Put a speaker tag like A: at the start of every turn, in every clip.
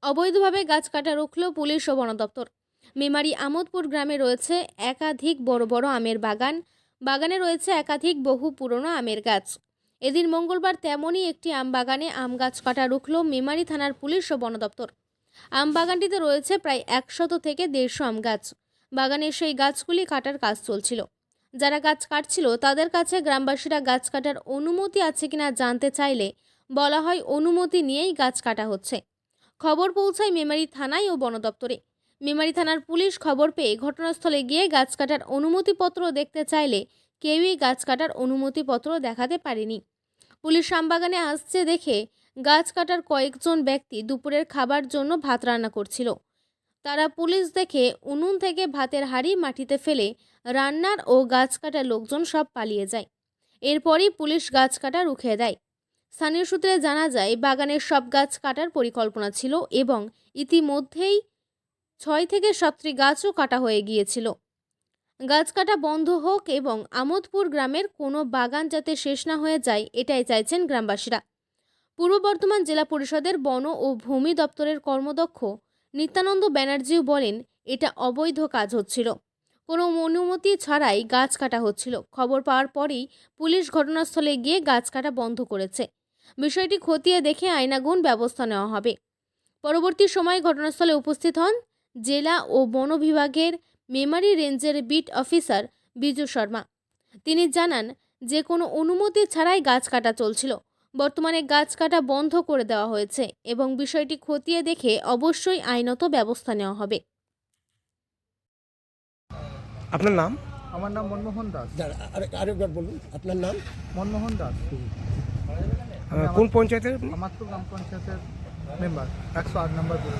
A: অবৈধভাবে গাছ কাটা রুখল পুলিশ ও বন দপ্তর। মেমারি আমোদপুর গ্রামে রয়েছে একাধিক বড় বড় আমের বাগান। বাগানে রয়েছে একাধিক বহু পুরনো আমের গাছ। এদিন মঙ্গলবার তেমনই একটি আম বাগানে আম গাছ কাটা রুখল মেমারি থানার পুলিশ ও বন দপ্তর। আম বাগানটিতে রয়েছে প্রায় 100 থেকে 150 আম গাছ। বাগানের সেই গাছগুলি কাটার কাজ চলছিল। যারা গাছ কাটছিল তাদের কাছে গ্রামবাসীরা গাছ কাটার অনুমতি আছে কিনা জানতে চাইলে বলা হয় অনুমতি নিয়েই গাছ কাটা হচ্ছে। খবর পৌঁছায় মেমারি থানায় ও বন দপ্তরে। মেমারি থানার পুলিশ খবর পেয়ে ঘটনাস্থলে গিয়ে গাছ কাটার অনুমতিপত্র দেখতে চাইলে কেউই গাছ কাটার অনুমতিপত্র দেখাতে পারেনি। পুলিশ আমবাগানে আসছে দেখে গাছ কাটার কয়েকজন ব্যক্তি দুপুরের খাবার জন্য ভাত রান্না করছিল। তারা পুলিশ দেখে উনুন থেকে ভাতের হাঁড়ি মাটিতে ফেলে রান্নার ও গাছ কাটার লোকজন সব পালিয়ে যায়। এরপরই পুলিশ গাছ কাটা রুখে দেয়। স্থানীয় সূত্রে জানা যায় বাগানের সব গাছ কাটার পরিকল্পনা ছিল এবং ইতিমধ্যেই 6 থেকে 7টি গাছও কাটা হয়ে গিয়েছিল। গাছ কাটা বন্ধ হোক এবং আমোদপুর গ্রামের কোনো বাগান যাতে শেষ না হয়ে যায় এটাই চাইছেন গ্রামবাসীরা। পূর্ব বর্ধমান জেলা পরিষদের বন ও ভূমি দপ্তরের কর্মদক্ষ নিত্যানন্দ ব্যানার্জিও বলেন এটা অবৈধ কাজ হচ্ছিল, কোনো অনুমতি ছাড়াই গাছ কাটা হচ্ছিল। খবর পাওয়ার পরেই পুলিশ ঘটনাস্থলে গিয়ে গাছ কাটা বন্ধ করেছে। বিষয়টি খতিয়ে দেখে আইনানুগ ব্যবস্থা নেওয়া হবে। পরবর্তী সময়ে ঘটনাস্থলে উপস্থিত হন জেলা ও বন বিভাগের মেমারি রেঞ্জের বিট অফিসার বিজু শর্মা। তিনি জানান যে কোনো অনুমতি ছাড়াই গাছ কাটা চলছিল। বর্তমানে গাছ কাটা বন্ধ করে দেওয়া হয়েছে এবং বিষয়টি খতিয়ে দেখে অবশ্যই আইনত ব্যবস্থা নেওয়া হবে।
B: আপনার নাম?
C: আমার নাম মনমোহন দাস।
B: আরেকবার বলুন আপনার নাম।
C: মনমোহন দাস।
B: কোন পঞ্চায়েতের?
C: আমাদপুর গ্রাম পঞ্চায়েতের মেম্বার, 108 নম্বর বুথ।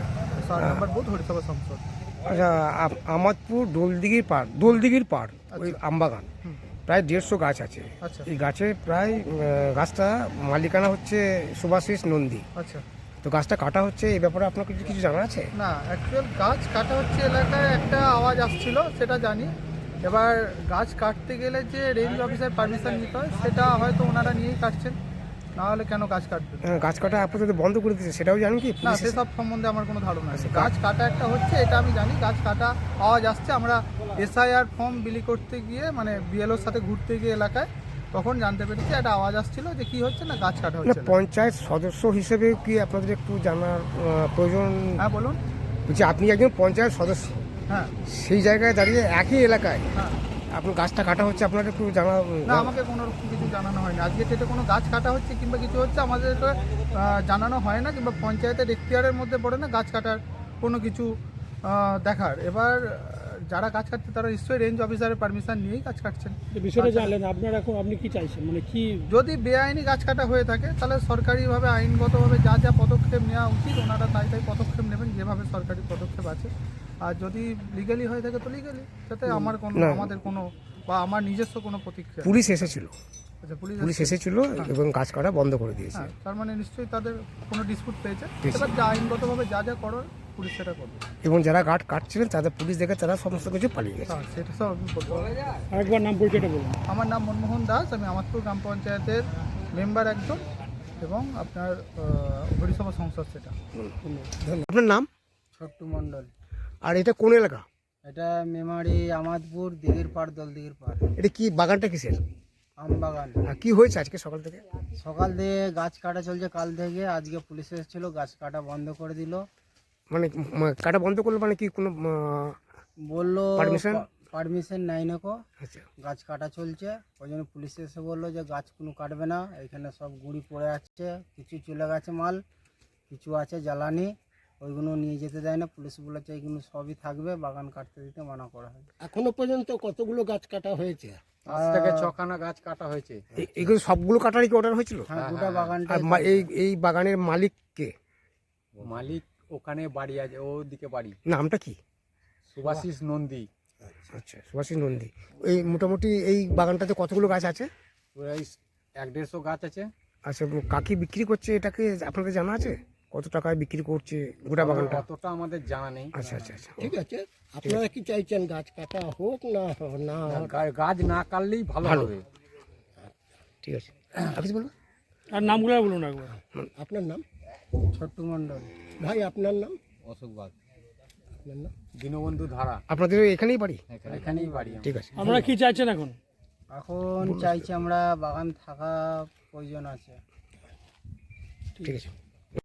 C: 108 নম্বর বুথ, হরিসভা সংসদ।
B: আচ্ছা, আমাদপুর দোলদিঘির পাড় ওই আমবাগান প্রায় 150 গাছ আছে।
C: আচ্ছা
B: এই গাছে প্রায় গাছটা মালিকানা হচ্ছে শুভাশিস নন্দী।
C: আচ্ছা।
B: তো গাছটা কাটা হচ্ছে, এই ব্যাপারে আপনার কিছু জানা আছে?
C: না, অ্যাকচুয়াল গাছ কাটা হচ্ছে এলাকায় একটা আওয়াজ আসছিল, সেটা জানি। এবার গাছ কাটতে গেলে যে রেঞ্জ অফিসার পারমিশন নিতে হয় সেটা হয়তো ওনারা নিয়েই কাটছেন, না হলে কেন গাছ কাটবে?
B: গাছ কাটা আপাতত বন্ধ করে দিয়েছে, সেটাও জানি কি?
C: না, সেসব সম্বন্ধে আমার কোনো ধারণা নেই।
B: আচ্ছা,
C: গাছ কাটা একটা হচ্ছে এটা আমি জানি, গাছ কাটা আওয়াজ আসছে। আমরা এসআইআর ফর্ম বিলি করতে গিয়ে, মানে বিএলওর সাথে ঘুরতে গিয়ে এলাকায়, তখন জানতে পেরেছি একটা আওয়াজ আসছিল যে কি হচ্ছে না গাছ কাটা হচ্ছে।
B: পঞ্চায়েত সদস্য হিসেবে কি আপনাদের একটু জানার প্রয়োজন?
C: হ্যাঁ বলুন।
B: বলছি আপনি একজন পঞ্চায়েত সদস্য,
C: হ্যাঁ
B: সেই জায়গায় দাঁড়িয়ে একই এলাকায়
C: হ্যাঁ।
B: আপনার গাছটা কাটা হচ্ছে, আপনার একটু জানা?
C: না, আমাকে কোনো রকম কিছু জানানো হয়নি। আজকে ডেটে কোনো গাছ কাটা হচ্ছে কিংবা কিছু হচ্ছে আমাদের জানানো হয় না, কিংবা পঞ্চায়েতের এখতিয়ারের মধ্যে পড়ে না গাছ কাটার কোনো কিছু দেখার। এবার যারা গাছ কাটছে তারা নিশ্চয়ই রেঞ্জ অফিসারের পারমিশন নিয়েই গাছ কাটছেন।
D: বিষয়টা জানলেন আপনারা, এখন আপনি কি চাইছেন, মানে কি?
C: যদি বেআইনি গাছ কাটা হয়ে থাকে তাহলে সরকারিভাবে আইনগতভাবে যা যা পদক্ষেপ নেওয়া উচিত ওনারা তাই পদক্ষেপ নেবেন, যেভাবে সরকারি পদক্ষেপ আছে। আর যদি লিগালি হয়ে থাকে তো লিগালি, যাতে আমাদের কোনো বা আমার নিজস্ব কোনো প্রতিক্রিয়া।
B: পুলিশ এসেছিল?
C: আচ্ছা,
B: পুলিশ এসেছিল এবং গাছ কাটা বন্ধ করে দিয়েছে।
C: হ্যাঁ, তার মানে নিশ্চয়ই তাদের কোনো ডিসপুট পেয়েছে। এবার যা আইনগতভাবে যা যা করার পুলিশ সেটা করবে।
B: এবং যারা গাছ কাটছিলেন তাদের পুলিশ দেখে তারা সমস্ত কিছু পালিয়ে গেছে।
C: হ্যাঁ, সেটা সব আমি বলতে পারবো।
D: আরেকবার নাম পরিচয়টা বলুন।
C: আমার নাম মনমোহন দাস, আমি আমাদপুর গ্রাম পঞ্চায়েতের মেম্বার একজন এবং আপনার হরিসভা সংসদ সেটা।
B: আপনার নাম?
E: ছোট্টু মণ্ডল।
B: আর এটা কোন এলাকা?
E: এটা মেমারি আমাদপুর দিঘির পাড়, দলদিঘির পাড়।
B: এটা কি বাগানটা কিসের?
E: আম বাগান।
B: আর কি হয়েছে আজকে সকাল থেকে?
E: সকাল থেকে গাছ কাটা চলছে, কাল থেকে। আজকে পুলিশ এসেছিল, গাছ কাটা বন্ধ করে দিল।
B: মানে কাটা বন্ধ করলো মানে কি কোনো
E: বললো
B: পারমিশন?
E: পারমিশন নাই নাকো,
B: আচ্ছা,
E: গাছ কাটা চলছে। ওই জন্য পুলিশ এসে বললো যে গাছ কোনো কাটবে না, এখানে সব গুঁড়ি পড়ে আছে, কিছু চলে গেছে মাল, কিছু আছে জ্বালানি, ওইগুলো নিয়ে যেতে দেয় না। পুলিশ বলেছে এইগুলো সবই থাকবে, বাগান কাটতে দিতে মানা করা হয়।
D: এখনো পর্যন্ত কতগুলো গাছ কাটা হয়েছে?
E: আজ থেকে 6খানা গাছ কাটা হয়েছে।
B: এইগুলো সবগুলো কাটারই কি অর্ডার হয়েছিল?
E: হ্যাঁ, গোটা বাগানটা।
B: আর এই বাগানের মালিক কে?
F: মালিক ওখানে বাড়ি আছে, ওদিকে বাড়ি।
B: নামটা কি?
F: সুভাশিস নন্দী।
B: আচ্ছা, সুভাষিস নন্দী। এই মোটামুটি এই বাগানটাতে কতগুলো গাছ আছে?
F: প্রায় 150 গাছ আছে।
B: আচ্ছা, কাকি বিক্রি করছে এটাকে আপনাদের জানা আছে? কত টাকায় বিক্রি করছে গোটা বাগানটা?
F: অতটা আমাদের জানা নেই।
B: আচ্ছা আচ্ছা আচ্ছা,
D: ঠিক আছে, আপনারা কি চাইছেন গাছ কাটা হোক না? না,
F: গাছ না কাটলেই ভালো
B: ভালো।
F: হবে।
B: ঠিক আছে, আপনি বলুন।
D: আর নামগুলো বলুন একবার।
B: আপনার নাম?
E: ছোট্টু মণ্ডল।
D: ভাই আপনার নাম?
F: অশোক বাগ,
D: আপনার নাম?
F: দীনবন্ধু ধারা,
B: আপনাদের এখানেই বাড়ি?
E: এখানেই বাড়ি আমার।
B: ঠিক আছে।
G: আমরা কি চাইছেন এখন?
E: এখন চাইছি আমরা বাগান থাকা প্রয়োজন আছে।
B: ঠিক আছে।